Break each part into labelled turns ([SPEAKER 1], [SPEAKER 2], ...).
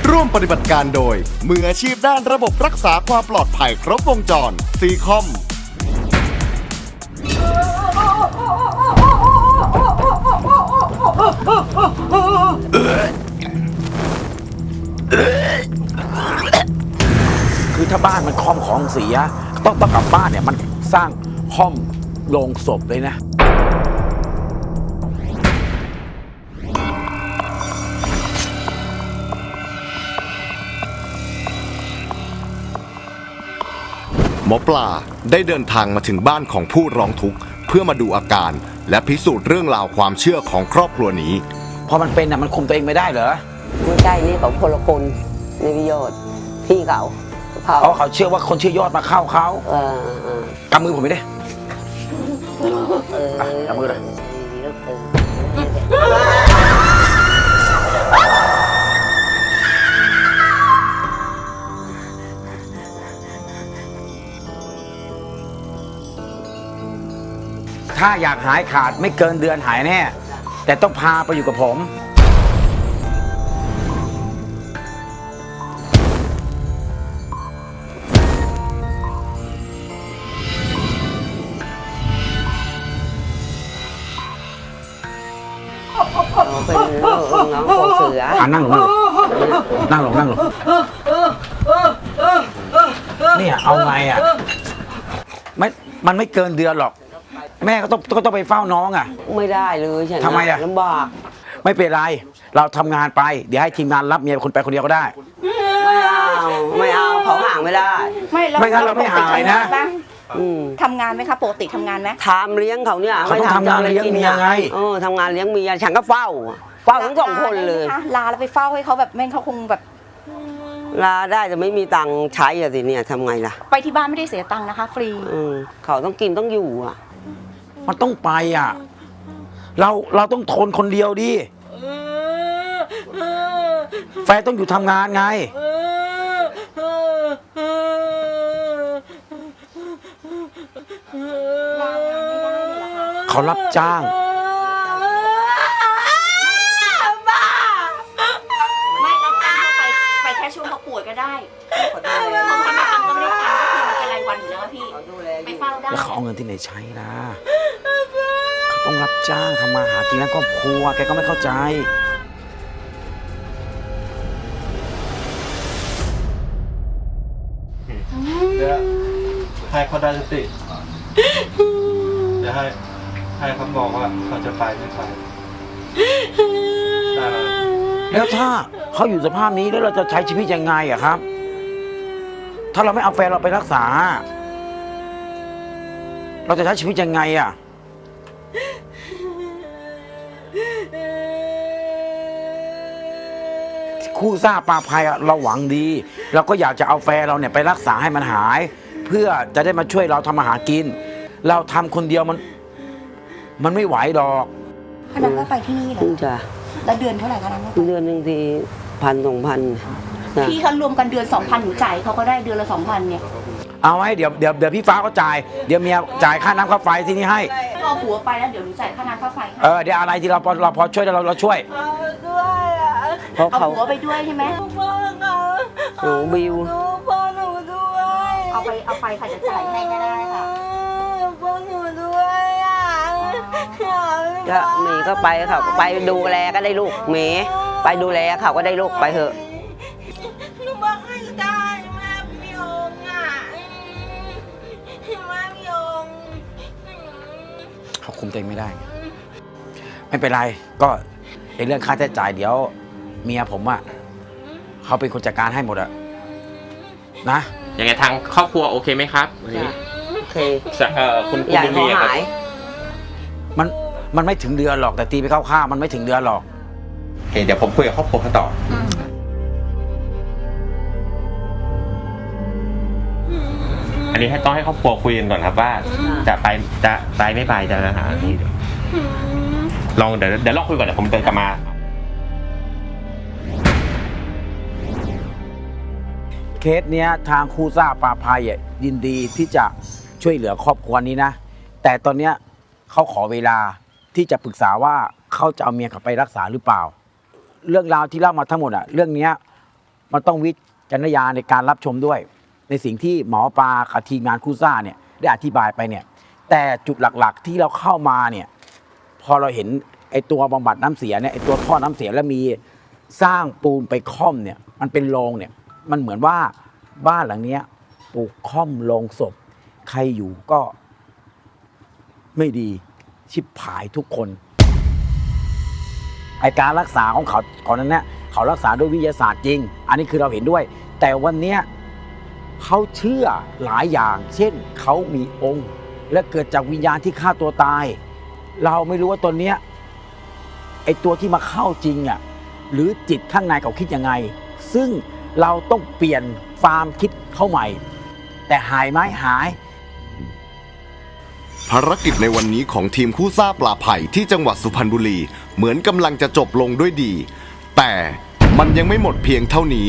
[SPEAKER 1] ร่วมปฏิบัติการโดยมืออาชีพด้านระบบรักษาความปลอดภัยครบวงจรซีคอม
[SPEAKER 2] คือถ้าบ้านมันค่อมของเสียต้องกลับบ้านเนี่ยมันสร้างค่อมโลงศพเลยนะ
[SPEAKER 1] หมอปลาได้เดินทางมาถึงบ้านของผู้ร้องทุกข์เพื่อมาดูอาการและพิสูจน์เรื่องราวความเชื่อของครอบครัวนี้
[SPEAKER 2] พอมันเป็นมันคุมตัวเองไม่ได้เหรอ
[SPEAKER 3] ไม่ใช่นี่เขาพลคนในวิโยชน์พี่เขา
[SPEAKER 2] เขาเชื่อว่าคนชื่อยอดมาเข้าเขากำมือผมไม่ได้กำมือเลยถ้าอยากหายขาดไม่เกินเดือนหายแน่แต่ต้องพาไปอยู่กับผม
[SPEAKER 3] เป็นน้องโคเสือ
[SPEAKER 2] นั่งลงเนี่ยเอาไงมันไม่เกินเดือนหรอกแม่ก็ต้องไปเฝ้าน้อง
[SPEAKER 3] ไม่ได้เลยฉัน
[SPEAKER 2] ทำไม
[SPEAKER 3] ลำบาก
[SPEAKER 2] ไม่เป็นไรเราทำงานไปเดี๋ยวให้ทีมงานรับเมียคนไปคนเดียวก็ได้
[SPEAKER 3] ไม่เอาเขาห่างไม่ได้
[SPEAKER 2] ไม่งั้นเราไม่หายนะ
[SPEAKER 4] ทำงานไหมคะปกติทำงานไหม
[SPEAKER 3] ทำเลี้ยงเขาเนี่ย
[SPEAKER 2] เขาต้องทำงานเลี้ยงเมียไง
[SPEAKER 3] ทำงานเลี้ยงเมียฉันก็เฝ้าทั้งสองคนเลย
[SPEAKER 4] ลาแล้วไปเฝ้าให้เขาแบบแม่เขาคงแบบ
[SPEAKER 3] ลาได้แต่ไม่มีตังค์ใช้สิเนี่ยทำไงล่ะ
[SPEAKER 4] ไปที่บ้านไม่ได้เสียตังค์นะคะฟรี
[SPEAKER 3] เขาต้องกินต้องอยู่
[SPEAKER 2] มันต้องไปเราต้องทนคนเดียวดิแฟนต้องอยู่ทำงานไงเขารับจ้าง
[SPEAKER 4] ไม่รับจ้างไปแค่ช่วงเขาป่วยก็ได้เขาทำก็ไม่ได้ทำก็คือมันเป็นรายวันอยู่แล้วพี่ไปเฝ้าได้
[SPEAKER 2] แล้วเขาเอาเงินที่ไหนใช้ล่ะเขาต้องรับจ้างทำมาหากินแล้วครอบครัวแกก็ไม่เข้าใจ
[SPEAKER 5] เดี๋ยวให้เขาได้สติเดี๋ยวให้เขาบอกว่าเขาจะไปไม่ไป
[SPEAKER 2] แล้วถ้าเขาอยู่สภาพนี้แล้วเราจะใช้ชีวิตยังไงครับ ถ้าเราไม่เอาแฟนเราไปรักษาเราจะใช้ชีวิตยังไงคู่ซ่าปลาภัยเราหวังดีเราก็อยากจะเอาแฟนเราเนี่ยไปรักษาให้มันหายเพื่อจะได้มาช่วยเราทำมาหากินเราทำคนเดียวมันไม่ไหวหรอก
[SPEAKER 4] ค่าน้ำค่าไฟที่นี่เหรอ
[SPEAKER 3] จ้ะ
[SPEAKER 4] แล้วเดือนเท่าไหร่คะน้ำ
[SPEAKER 3] เดือนหนึ่งที1,000-2,000
[SPEAKER 4] พี่เขารวมกันเดือน 2,000หนูจ่ายเขาก็ได้เดือนละ 2,000เนี่ย
[SPEAKER 2] เอาไว้เดี๋ยวพี่ฟ้าก็จ่ายเดี๋ยวเมียจ่ายค่าน้ำค่าไฟที่นี่ให้
[SPEAKER 4] เอาผัวไปแล้วเดี๋ยวหนูจ่ายค่าน้ำค่าไฟ
[SPEAKER 2] เดี๋ยวอะไรที่เราพอช่วยเราช่วย
[SPEAKER 4] เอาผัวไปด้วยใช่ไหม
[SPEAKER 3] หนูบิว
[SPEAKER 4] เอาไปค่ะจะจ่ายให้ก็ได้ค่ะ
[SPEAKER 3] ก็เมย์ก็ไปเขาก็ไปดูแลก็ได้ลูกเมย์ไปดูแลเขาก็ได้ลูกไปเถอะ
[SPEAKER 6] หนูบอกให้ได้แม่พี่องค์แม่พี่องค์
[SPEAKER 2] เขาคุมตัวเองไม่ได้ไม่เป็นไรก็ในเรื่องค่าใช้จ่ายเดี๋ยวเมียผมเขาเป็นคนจัดการให้หมดนะ
[SPEAKER 7] ยังไงทางครอบครัวโอเคไหมครับ
[SPEAKER 3] โอเค
[SPEAKER 7] คุณ
[SPEAKER 3] อยากให้หาย
[SPEAKER 2] มันไม่ถึงเดือนหรอกแต่ตีไปเข้าๆมันไม่ถึงเดือนหรอก
[SPEAKER 7] เดี๋ยวผมคุยกับครอบครัวเขาต่ออันนี้ต้องให้ครอบครัวคุยกันก่อนครับว่าจะไปไม่ไปจะหาอันนี้ลองเดี๋ยวลองคุยก่อนเดี๋ยวผมเดินกลับมา
[SPEAKER 2] เคสเนี้ยทางครูซ่าปลาภัยยินดีที่จะช่วยเหลือครอบครัวนี้นะแต่ตอนเนี้ยเขาขอเวลาที่จะปรึกษาว่าเขาจะเอาเมียกลับไปรักษาหรือเปล่าเรื่องราวที่เล่ามาทั้งหมดเรื่องนี้มันต้องวิจารณญาณในการรับชมด้วย ในสิ่งที่หมอปลากับทีมงานคู่ซ่าเนี่ยได้อธิบายไปเนี่ยแต่จุดหลักๆที่เราเข้ามาเนี่ยพอเราเห็นไอ้ตัวบำบัดน้ำเสียเนี่ยไอ้ตัวท่อน้ำเสียแล้วมีสร้างปูนไปค่อมเนี่ยมันเป็นโรงเนี่ยมันเหมือนว่าบ้านหลังเนี้ยปลูกค่อมโรงศพใครอยู่ก็ไม่ดีชิบหายทุกคนไอการรักษาของเขาก่อนนั้นเนี่ยเขารักษาด้วยวิทยาศาสตร์จริงอันนี้คือเราเห็นด้วยแต่วันเนี้ยเขาเชื่อหลายอย่างเช่นเขามีองค์และเกิดจากวิญญาณที่ฆ่าตัวตายเราไม่รู้ว่าตอนเนี้ยไอตัวที่มาเข้าจริงอ่ะหรือจิตข้างในเขาคิดยังไงซึ่งเราต้องเปลี่ยนความคิดเข้าใหม่แต่หายไหมหาย
[SPEAKER 1] ภารกิจในวันนี้ของทีมคู่ซ่าปลาไผ่ที่จังหวัดสุพรรณบุรีเหมือนกำลังจะจบลงด้วยดี แต่มันยังไม่หมดเพียงเท่านี้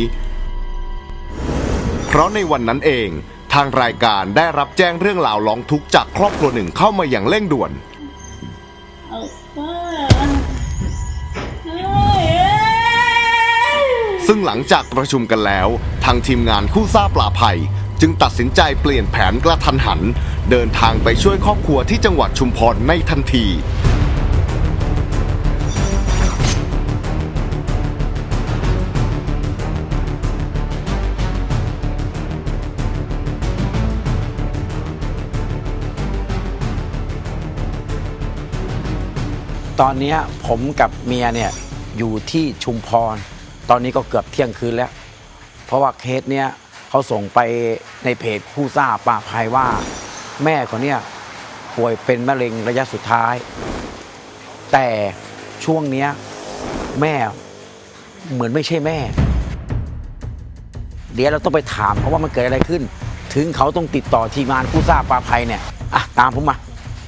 [SPEAKER 1] เพราะในวันนั้นเองทางรายการได้รับแจ้งเรื่องราวร้องทุกข์จากครอบครัวหนึ่งเข้ามาอย่างเร่งด่วน ซึ่งหลังจากประชุมกันแล้วทางทีมงานคู่ซ่าปลาไผ่จึงตัดสินใจเปลี่ยนแผนกระทันหันเดินทางไปช่วยครอบครัวที่จังหวัดชุมพรในทันที
[SPEAKER 2] ตอนนี้ผมกับเมียเนี่ยอยู่ที่ชุมพรตอนนี้ก็เกือบเที่ยงคืนแล้วเพราะว่าเคสเนี้ยเขาส่งไปในเพจคู่ซ่าปลาภัยว่าแม่คนเนี้ยป่วยเป็นมะเร็งระยะสุดท้ายแต่ช่วงเนี้ยแม่เหมือนไม่ใช่แม่เดี๋ยวเราต้องไปถามเขาว่ามันเกิดอะไรขึ้นถึงเขาต้องติดต่อทีมงานคู่ซ่าปลาภัยเนี่ยอ่ะตามผมมา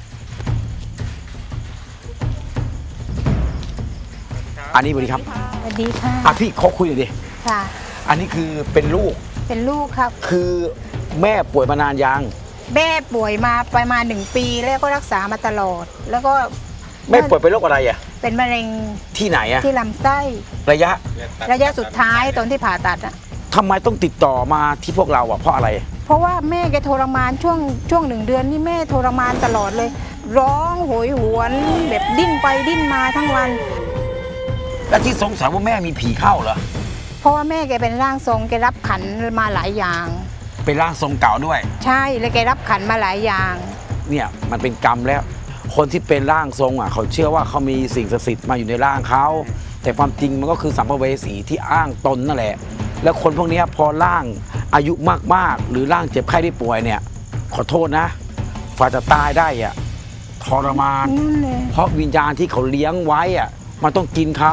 [SPEAKER 2] อันนี้สวัสดีครับ
[SPEAKER 8] สวัสดีค่ะ
[SPEAKER 2] อ่ะพี่เขาคุยหน่อยดิ
[SPEAKER 8] ค่ะ
[SPEAKER 2] อันนี้คือเป็นลูก
[SPEAKER 8] เป็นลูกครับ
[SPEAKER 2] คือแม่ป่วยมานานยัง
[SPEAKER 8] แม่ป่วยมาประมาณ1 ปีแล้วก็รักษามาตลอด แล้วก็
[SPEAKER 2] แม่ป่วยเป็นโรคอะไรอ่ะ
[SPEAKER 8] เป็นมะเร็ง
[SPEAKER 2] ที่ไหนอ่ะ
[SPEAKER 8] ที่ลำไส้
[SPEAKER 2] ระยะ
[SPEAKER 8] สุดท้ายตอนที่ผ่าตัดอะ
[SPEAKER 2] ทำไมต้องติดต่อมาที่พวกเราอ่ะเพราะอะไร
[SPEAKER 8] เพราะว่าแม่แกทรมานช่วง1 เดือนนี่แม่ทรมานตลอดเลย ร้องโหยหวนแบบดิ้นไปดิ้นมาทั้งวัน
[SPEAKER 2] และที่สงสัยว่าแม่มีผีเข้าเหรอ
[SPEAKER 8] เพราะว่าแม่แกเป็นร่างทรงแกรับขันมาหลายอย่าง
[SPEAKER 2] เป็นร่างทรงเก่าด้วย
[SPEAKER 8] ใช่แล้วแกรับขันมาหลายอย่าง
[SPEAKER 2] เนี่ยมันเป็นกรรมแล้ว คนที่เป็นร่างทรงอ่ะเขาเชื่อว่าเขามีสิ่งศักดิ์สิทธิ์มาอยู่ในร่างเขาแต่ความจริงมันก็คือสัมภเวสีที่อ้างตนนั่นแหละแล้วคนพวกนี้พอร่างอายุมากๆหรือร่างเจ็บไข้ได้ป่วยเนี่ยขอโทษนะฝ่าจะตายได้อ่ะทรมาน
[SPEAKER 8] นั่นเลย
[SPEAKER 2] เพราะวิญญาณที่เขาเลี้ยงไว้อ่ะมันต้องกินเขา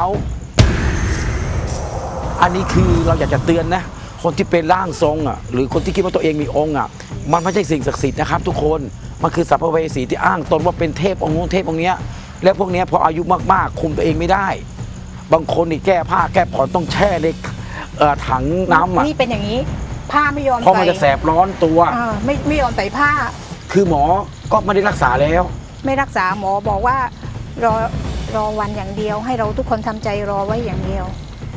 [SPEAKER 2] อันนี้คือเราอยากจะเตือนนะคนที่เป็นร่างทรงอ่ะหรือคนที่คิดว่าตัวเองมีองค์อ่ะมันไม่ใช่สิ่งศักดิ์สิทธิ์นะครับทุกคนมันคือสัพเพเวสีที่อ้างตนว่าเป็นเทพองค์นู้นเทพองค์เนี้ยแล้วพวกเนี้ยพออายุมากๆคุมตัวเองไม่ได้ บางคนนี่แก้ผ้าแก้ผ่อนต้องแช่ในถังน้ำอ่ะ
[SPEAKER 8] นี่เป็นอย่างนี้ ผ้าไม่ยอม
[SPEAKER 2] เพราะมัน
[SPEAKER 8] ใส่
[SPEAKER 2] จะแสบร้อนตัว
[SPEAKER 8] ไม่ยอมใส่ผ้า
[SPEAKER 2] คือหมอก็ไม่ได้รักษาแล้ว
[SPEAKER 8] ไม่รักษาหมอบอกว่ารอวันอย่างเดียว ให้เราทุกคนทำใจรอไว้อย่างเดียว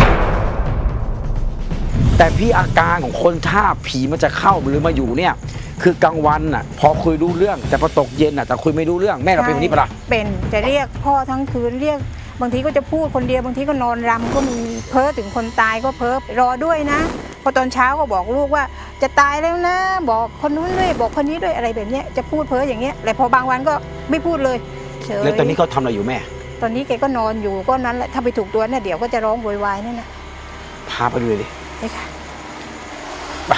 [SPEAKER 2] แต่พี่อาการของคนถ้าผีมันจะเข้าหรือมาอยู่เนี่ยคือกลางวันน่ะพอคุยรู้เรื่องแต่พอตกเย็นน่ะแต่คุยไม่รู้เรื่องแม่เราเป็นแบบนี้ปะล่ะ
[SPEAKER 8] เป็นจะเรียกพ่อทั้งคืนเรียกบางทีก็จะพูดคนเดียวบางทีก็นอนรำก็มีเพ้อถึงคนตายก็เพ้อรอด้วยนะพอตอนเช้าก็บอกลูกว่าจะตายแล้วนะบอกคนนู้นด้วยบอกคนนี้ด้วยอะไรแบบเนี้ยจะพูดเพ้ออย่างเงี้ยแต่พอบางวันก็ไม่พูดเลยเฉย
[SPEAKER 2] แล้วตอนนี้เขาทำอะไรอยู่แม่
[SPEAKER 8] ตอนนี้แกก็นอนอยู่ก็นั้นแหละถ้าไปถูกตัวเนี่ยเดี๋ยวก็จะร้องโวยวายนั่นนะ
[SPEAKER 2] พาไปดูเลยดิ
[SPEAKER 8] ไปค่ะ
[SPEAKER 2] ไป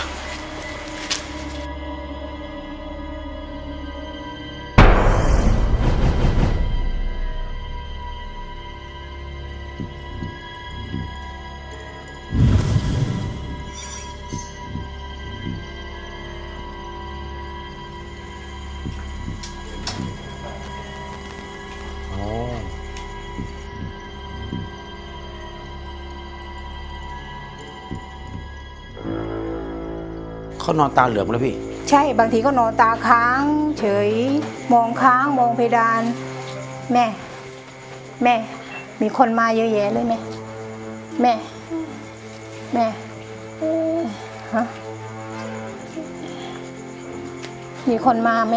[SPEAKER 2] เขานอนตาเหลือกแล้วพี่
[SPEAKER 8] ใช่บางทีก็นอนตาค้างเฉยมองค้างมองเพดาน แม่มีคนมาเยอะแยะเลยแม่ฮะมีคนมาไหม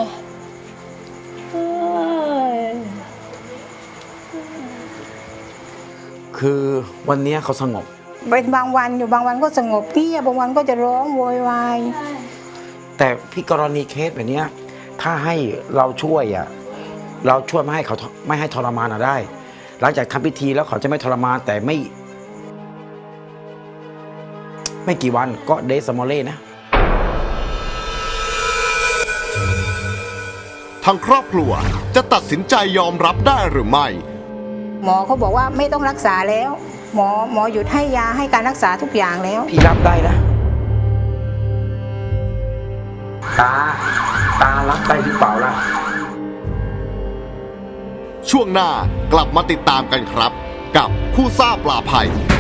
[SPEAKER 2] คือวันเนี้ยเขาสงบ
[SPEAKER 8] เป็นบางวันอยู่บางวันก็สงบเงียบบางวันก็จะร้องโวยวาย
[SPEAKER 2] แต่พี่กรณีเคสแบบเนี้ยถ้าให้เราช่วยเราช่วยไม่ให้เขาไม่ให้ทรมานได้ หลังจากทำพิธีแล้วเขาจะไม่ทรมานแต่ไม่กี่วันก็เดซมอเล่นะ
[SPEAKER 1] ทางครอบครัวจะตัดสินใจยอมรับได้หรือไม่
[SPEAKER 8] หมอเขาบอกว่าไม่ต้องรักษาแล้ว หมอหยุดให้ยาให้การรักษาทุกอย่างแล้ว
[SPEAKER 2] พี่รับได้นะ ตารับได้หรือเปล่าล่ะ
[SPEAKER 1] ช่วงหน้ากลับมาติดตามกันครับ กับคู่ซ่าปลาภัย